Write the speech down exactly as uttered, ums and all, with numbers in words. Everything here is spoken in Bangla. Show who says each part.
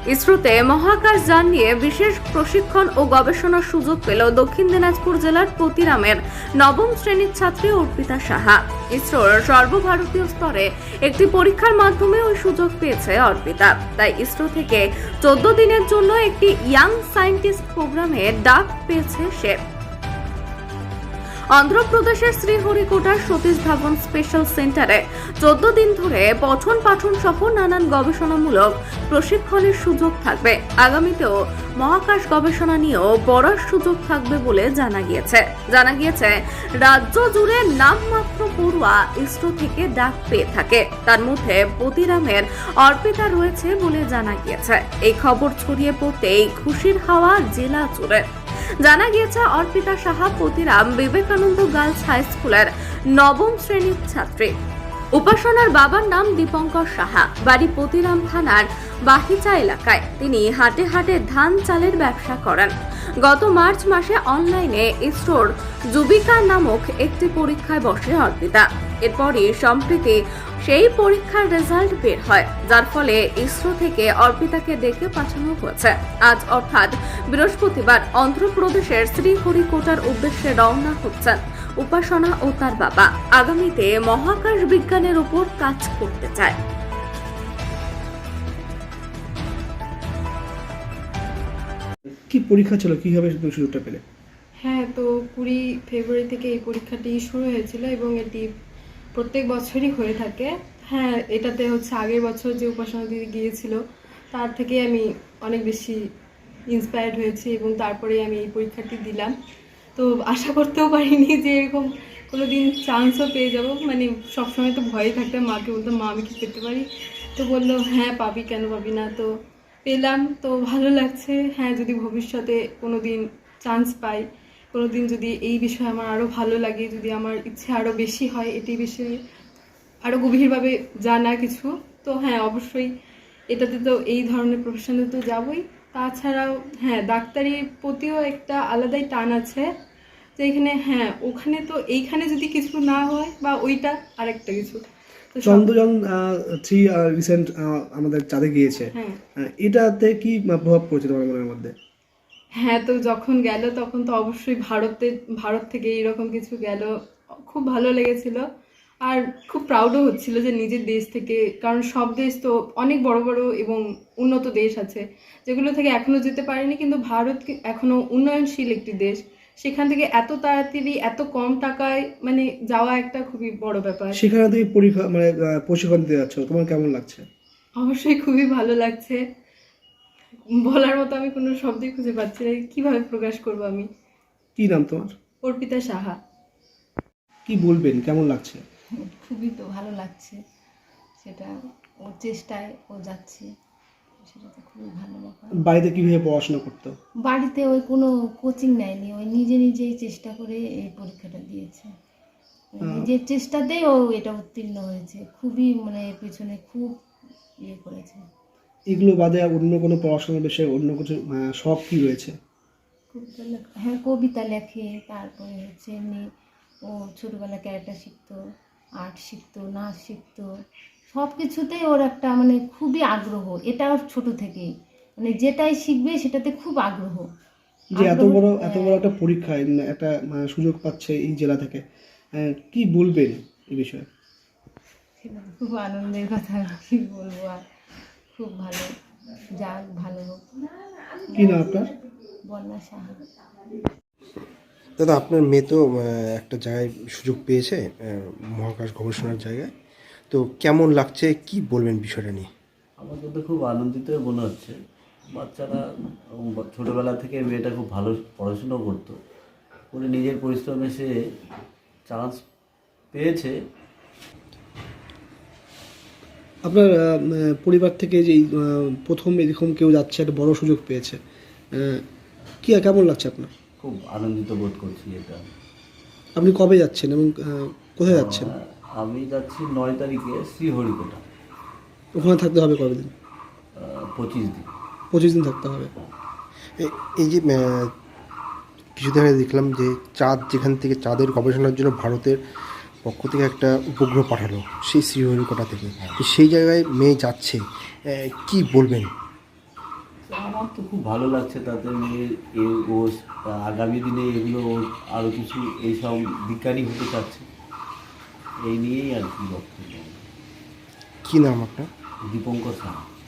Speaker 1: ইসরোতে মহাকাশ যান নিয়ে বিশেষ প্রশিক্ষণ ও গবেষণার সুযোগ পেল দক্ষিণ দিনাজপুর জেলার পতিরামের নবম শ্রেণীর ছাত্রী অর্পিতা সাহা। ইসরোর সর্বভারতীয় স্তরে একটি পরীক্ষার মাধ্যমে ওই সুযোগ পেয়েছে অর্পিতা। তাই ইসরো থেকে চোদ্দ দিনের জন্য একটি ইয়াং সায়েন্টিস্ট প্রোগ্রামে ডাক পেয়েছে সে। অন্ধ্রপ্রদেশের শ্রীহরিকোটার সতীশ ধাবন স্পেশাল সেন্টারে চোদ্দ দিন ধরে পঠন পাঠন সহ নানান গবেষণামূলক প্রশিক্ষণের সুযোগ থাকবে। আগামীতেও মহাকাশ গবেষণা নিয়েও পড়ার সুযোগ থাকবে বলে জানা গিয়েছে। জানা গিয়েছে রাজ্য জুড়ে নামমাত্র পড়ুয়া ইসরো থেকে ডাক পেয়ে থাকে। তার মধ্যে পতিরামের অর্পিতা রয়েছে বলে জানা গিয়েছে। এই খবর ছড়িয়ে পড়তেই খুশির হাওয়া জেলা জুড়ে। জানা গিয়েছে অর্পিতা সাহা পতিরাম বিবেকানন্দ গার্লস হাই স্কুলের নবম শ্রেণীর ছাত্রী। উপাসনার বাবার নাম দীপঙ্কর সাহা, বাড়ি পতিরাম থানার বাহিচা এলাকায়। তিনি হাটে হাটে ধান চালের ব্যবসা করেন। গত মার্চ মাসে অনলাইনে ইসরোর যুবিকা নামক একটি পরীক্ষায় বসে অর্পিতা। এরপরই সম্প্রতি সেই পরীক্ষার রেজাল্ট বের হয়, যার ফলে ইসরো থেকে অর্পিতাকে ডেকে পাঠানো হয়েছে। আজ অর্থাৎ বৃহস্পতিবার অন্ধ্রপ্রদেশের শ্রীহরিকোটার উদ্দেশ্যে রওনা হচ্ছেন উপাসনা ও তার বাবা। আগামীতে মহাকাশ বিজ্ঞানের উপর কাজ করতে চায়।
Speaker 2: কি পরীক্ষা ছিল, কিভাবে সুযোগটা পেলে?
Speaker 3: হ্যাঁ, তো কুড়ি ফেব্রুয়ারি থেকে এই পরীক্ষাটি শুরু হয়েছিল এবং এটি প্রত্যেক বছরই হয়ে থাকে। হ্যাঁ, এটাতে হচ্ছে আগের বছর যে উপাসনা দিদি গিয়েছিল তার থেকে আমি অনেক বেশি ইন্সপায়ার্ড হয়েছি এবং তারপরে আমি এই পরীক্ষাটি দিলাম। তো আশা করতেও পারিনি যে এরকম কোনো দিন চান্সও পেয়ে যাব। মানে সবসময় তো ভয়ে থাকতাম, মাকে বলতাম মা আমি কি পেতে পারি, তো বললো হ্যাঁ পাবি, কেন পাবি না। তো পেলাম, তো ভালো লাগছে। হ্যাঁ, যদি ভবিষ্যতে কোনো দিন চান্স পাই, কোনো দিন যদি এই বিষয়ে আমার আরও ভালো লাগে, যদি আমার ইচ্ছে আরও বেশি হয় এটি বিষয়ে আরও গভীরভাবে জানা কিছু, তো হ্যাঁ অবশ্যই এটাতে তো এই ধরনের প্রফেশনে তো যাবই। তাছাড়াও হ্যাঁ ডাক্তারির প্রতিও একটা আলাদাই টান আছে, যে এখানে হ্যাঁ ওখানে তো এইখানে যদি কিছু না হয় বা ওইটা আরেকটা কিছু। তো সব-
Speaker 2: চন্দ্রযান থ্রি রিসেন্ট আমাদের চাঁদে গিয়েছে,
Speaker 3: হ্যাঁ
Speaker 2: আহ, এটাতে কি প্রভাব পড়েছে তোমার মনের মধ্যে?
Speaker 3: হ্যাঁ তো যখন গেল তখন তো অবশ্যই ভারতে ভারত থেকে এইরকম কিছু গেল, খুব ভালো লেগেছিল। আর খুব প্রাউডও হচ্ছিল যে নিজের দেশ থেকে, কারণ সব দেশ তো অনেক বড় বড় এবং উন্নত দেশ আছে যেগুলো থেকে এখনো যেতে পারেনি, কিন্তু ভারত কি- এখনো উন্নয়নশীল একটি দেশ, সেখান থেকে এত তাড়াতাড়ি এত কম টাকায় মানে যাওয়া একটা খুবই বড় ব্যাপার।
Speaker 2: সেখানে তুমি পরীক্ষা মানে আহ, প্রশিক্ষণ দিতে যাচ্ছ, তোমার কেমন লাগছে?
Speaker 3: অবশ্যই খুবই ভালো লাগছে, বলার মতো আমি কোনো শব্দই খুঁজে পাচ্ছি না, কিভাবে প্রকাশ করবো আমি।
Speaker 2: কি নাম তোমার?
Speaker 3: অর্পিতা সাহা।
Speaker 2: কি বলবেন, কেমন লাগছে?
Speaker 4: খুবই তো ভালো লাগছে, সেটা ওর চেষ্টায় ও যাচ্ছে, সেটা তো খুবই ভালো ব্যাপার।
Speaker 2: বাড়িতে কিভাবে পড়াশোনা করতো?
Speaker 4: বাড়িতে ওই কোনো কোচিং নেয়নি, ওই নিজে নিজেই চেষ্টা করে এই পরীক্ষাটা দিয়েছে। ওই নিজের চেষ্টাতেই ও এটা উত্তীর্ণ হয়েছে, খুবই মানে এর পেছনে খুব ইয়ে করেছে।
Speaker 2: এগুলো বাদে আর অন্য কোনো পড়াশোনার বিষয়ে অন্য কিছু আহ, শখ কি রয়েছে?
Speaker 4: কবিতা লেখা, হ্যাঁ কবিতা লেখে, তারপরে হচ্ছে এমনি ও ছোটোবেলা ক্যারেক্টার শিখতো, আর্ট শিখতো, নাচ শিখতো, সব কিছুতেই ওর একটা মানে খুবই আগ্রহ। এটা ওর ছোটো থেকেই মানে যেটাই শিখবে সেটাতে খুব আগ্রহ।
Speaker 2: যে এত
Speaker 4: আগ্রহ-
Speaker 2: বড় এত বড় একটা পরীক্ষায় উম, একটা আহ, সুযোগ পাচ্ছে এই জেলা থেকে, আহ, কি বলবেন এই বিষয়ে?
Speaker 4: সেটা তো খুব আনন্দের কথা, কি বলবো আর, খুব ভালো, যাক ভালো হোক।
Speaker 2: কি নাম আপনার?
Speaker 4: বন্যা সাহা।
Speaker 5: দাদা, আপনার মেয়ে তো আহ, একটা জায়গায় সুযোগ পেয়েছে, আহ, মহাকাশ গবেষণার জায়গায়, তো কেমন লাগছে, কি বলবেন বিষয়টা নিয়ে?
Speaker 6: আমার কিন্তু খুব আনন্দিত মনে হচ্ছে। বাচ্চারা ছোটোবেলা থেকে মেয়েটা খুব ভালো পড়াশুনো করতো, উনি নিজের পরিশ্রমে সে চান্স পেয়েছে।
Speaker 2: আপনার আহ, আহ, পরিবার থেকে যে এই, আহ, প্রথম এরকম কেউ যাচ্ছে, একটা বড় সুযোগ পেয়েছে, আহ, কি কেমন লাগছে আপনার?
Speaker 6: খুব আনন্দিত বোধ করছি এটা।
Speaker 2: আপনি কবে যাচ্ছেন এবং আহ, কোথায় যাচ্ছেন?
Speaker 6: আহ, আমি যাচ্ছি নয় তারিখে শ্রীহরিকোটা,
Speaker 2: ওখানে থাকতে হবে কতদিন?
Speaker 6: আহ, পঁচিশ দিন।
Speaker 2: পঁচিশ দিন থাকতে হবে।
Speaker 5: এ- এই যে আহ, কিছুদিন আগে দেখলাম যে চাঁদ, যেখান থেকে চাঁদের গবেষণার জন্য ভারতের পক্ষ থেকে একটা উপগ্রহ পাঠালো সেই শ্রীহরিকোটা থেকে, তো সেই জায়গায় মেয়ে যাচ্ছে, আহ, কি বলবেন?
Speaker 6: আমার তো খুব ভালো লাগছে তাতে মেয়ে এ ও আগামী দিনে এগুলো ওর আরও কিছু এইসব বিজ্ঞানী হতে চাচ্ছে, এই নিয়েই আর কি বক্তব্য।
Speaker 5: কি নাম আপনার?
Speaker 6: দীপঙ্কর সাহা।